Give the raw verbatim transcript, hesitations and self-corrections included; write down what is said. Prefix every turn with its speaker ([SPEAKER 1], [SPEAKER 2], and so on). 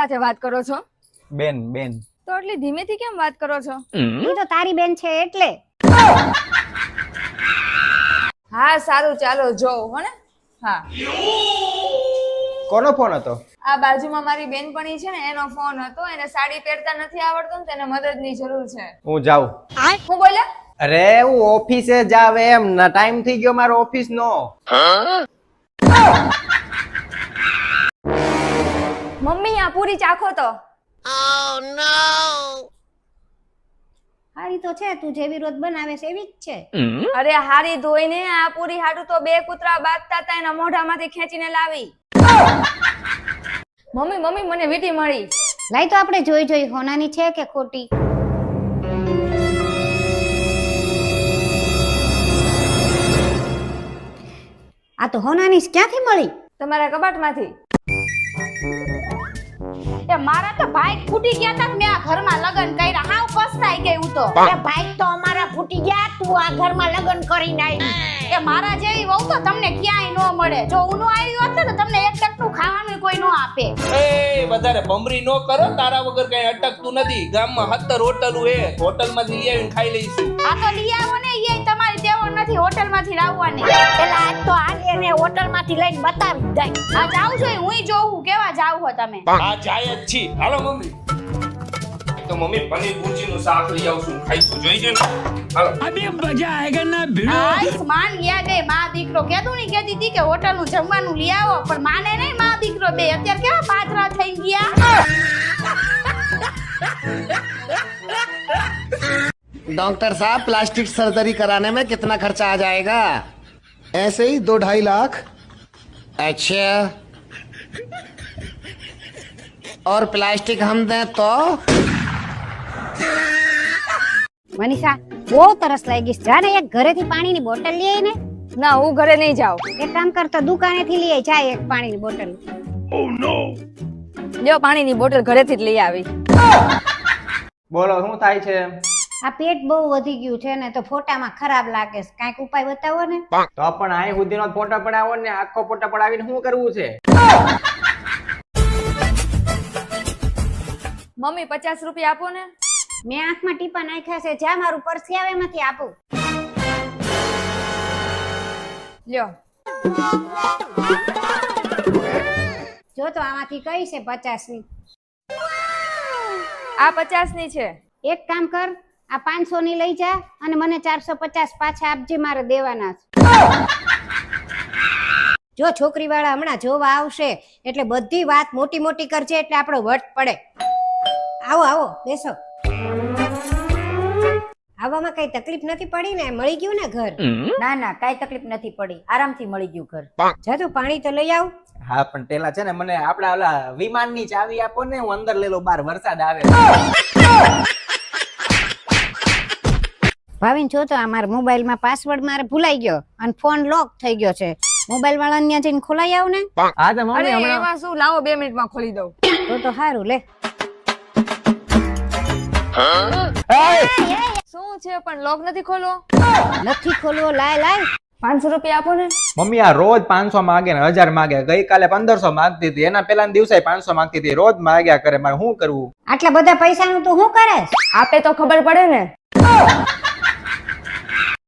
[SPEAKER 1] સાથે વાત કરો છો?
[SPEAKER 2] બેન બેન.
[SPEAKER 1] તો એટલી ધીમેથી કેમ વાત કરો છો?
[SPEAKER 3] એ તો તારી બેન છે એટલે.
[SPEAKER 1] હા સારું ચાલો જોઉં હો ને. હા
[SPEAKER 2] કોનો ફોન હતો?
[SPEAKER 1] આ બાજુમાં મારી બેનપણી છે ને એનો ફોન હતો. એને સાડી પહેરતા નથી આવડતું ને તેને મદદની જરૂર છે.
[SPEAKER 2] હું જાઉં.
[SPEAKER 1] હું બોલ્યા?
[SPEAKER 2] અરે હું ઓફિસે જાવ એમ ના ટાઈમ થઈ ગયો મારો ઓફિસ નો.
[SPEAKER 1] મમ્મી આ પૂરી ચાખો તો.
[SPEAKER 3] હારી તો છે, તું જેવી રોજ બનાવે છે એવી જ છે.
[SPEAKER 1] અરે હારી ધોઈને આ પૂરી હાટુ તો બે કૂતરા બાંધતા હતા એના મોઢામાંથી ખેંચીને લાવી. મમ્મી મમ્મી મને વીટી મળી.
[SPEAKER 3] લાઈ તો આપણે જોઈ જોઈ હોનાની છે કે ખોટી. આ તો હોનાની ક્યાંથી મળી?
[SPEAKER 1] તમારા કબાટમાંથી.
[SPEAKER 4] એ મારા તો ભાઈ ફૂટી ગયા તા મેં આ ઘરમાં લગન કર્યા. હાવ પસ્તાઈ ગઈ હું તો. એ ભાઈ તો અમારા ફૂટી ગયા, તું આ ઘરમાં લગન કરીને આવી. એ મારા જેવી વહુ તો તમને ક્યાંય ન મળે. જો હું નો આવી હોત ને તો તમને એક ટકનું ખાવાનું કોઈ ન આપે.
[SPEAKER 5] એ વધારે ભમરી નો કરો, તારા વગર કઈ અટકતું નથી. ગામમાં સત્તર હોટલ હે, હોટલ માંથી લઈ આવીને ખાઈ લઈશું.
[SPEAKER 4] આ તો લઈ આવો ને, એ તમારી ટેવો નથી હોટલ માંથી લાવવાની. પેલા આજ તો આજે ને હોટલ માંથી લઈને બતાવી દઈ. આ જાવ છો હું જોઉં કેવા જાવ હો તમે.
[SPEAKER 5] આ જાય જ છી. હાલો મમ્મી. તો મમ્મી પનીર ભુરજી નું શાક લઈ આવશું, ખાઈશું. જોઈ છે ને? હાલો.
[SPEAKER 6] अभी मजा आएगा ना भिड़ो.
[SPEAKER 4] આયુષ્માન યાદ એ માં દીકરો કેતું ની કેતી હતી કે હોટલ નું જમવાનું લઈ આવો, પણ માને નહીં માં દીકરો બે. અત્યારે કેવા પાથરા થઈ ગયા.
[SPEAKER 7] डॉक्टर साहब प्लास्टिक सर्जरी कराने में कितना खर्चा आ जाएगा? ऐसे ही दो ढाई लाख. अच्छा, और प्लास्टिक हम दें तो?
[SPEAKER 3] મનીષા બહુ તરસ લાગી છે. જા ને એક ઘરેથી પાણીની બોટલ લઈ આય ને.
[SPEAKER 1] ના હું ઘરે નહીં જાઉં.
[SPEAKER 3] એક કામ કર તો દુકાનેથી લઈ આય. જા એક પાણીની બોટલ.
[SPEAKER 1] લ્યો પાણીની બોટલ ઘરેથી જ લઈ આવી.
[SPEAKER 2] બોલો શું થાય છે?
[SPEAKER 3] આ પેટ બહુ વધી ગયું છે ને તો ફોટામાં ખરાબ લાગે છે. કાંઈક ઉપાય બતાવો ને.
[SPEAKER 2] તો પણ અહીં સુધીનો ફોટો પડાવો ને આખો ફોટો પડાવીને શું કરવું છે?
[SPEAKER 1] મમ્મી પચાસ રૂપિયા આપો ને.
[SPEAKER 3] મેં આંખમાં ટીપા નાખ્યા છે. જા મારું પર્સ આવે એમાંથી આપું.
[SPEAKER 1] લ્યો
[SPEAKER 3] જો તો આમાંથી કઈ છે પચાસ ની?
[SPEAKER 1] આ પચાસ ની છે.
[SPEAKER 3] એક કામ કર, આ પાંચસો ની લઈ જા અને મને ચારસો પચાસ પાછા આપજે, મારે દેવાના છે. જો છોકરી વાળા હમણાં જોવા આવશે એટલે બધી વાત મોટી મોટી કરજે એટલે આપણો વટ પડે. આવો આવો બેસો. આવવામાં કઈ તકલીફ નથી પડી ને? મળી ગયું ને ઘર?
[SPEAKER 8] ના ના કઈ તકલીફ નથી પડી, આરામથી મળી ગયું ઘર.
[SPEAKER 3] જા તું પાણી તો લઈ આવ.
[SPEAKER 2] હા પણ પેલા છે ને મને આપડા ઓલા વિમાન ની ચાવી આપો ને, હું અંદર લઈ લઉં, બહાર વરસાદ આવે.
[SPEAKER 3] ભાવિન જો તો આ મારા મોબાઈલ માં પાસવર્ડ મારે ભૂલાઈ ગયો અને ફોન લોક થઈ ગયો છે. મોબાઈલ વાળાને ત્યાં જઈને ખોલાઈ આવ ને.
[SPEAKER 2] હા તો
[SPEAKER 1] અરે
[SPEAKER 2] મમ્મી હમણાં
[SPEAKER 1] એમાં શું, લાવો બે મિનિટમાં ખોલી દઉં.
[SPEAKER 3] તો તો સારું લે.
[SPEAKER 1] શું છે પણ લોક નથી ખોલો.
[SPEAKER 3] નથી ખોલવો. લાય લાય.
[SPEAKER 1] પાંચસો રૂપિયા આપો ને.
[SPEAKER 2] મમ્મી આ રોજ પાંચસો માગે ને હજાર માગે. ગઈકાલે પંદરસો માંગતી હતી, એના પેલા દિવસે પાંચસો માંગતી હતી. રોજ માગ્યા કરે, મારે શું કરવું?
[SPEAKER 3] આટલા બધા પૈસા નું તું શું કરે?
[SPEAKER 1] આપે તો ખબર પડે ને.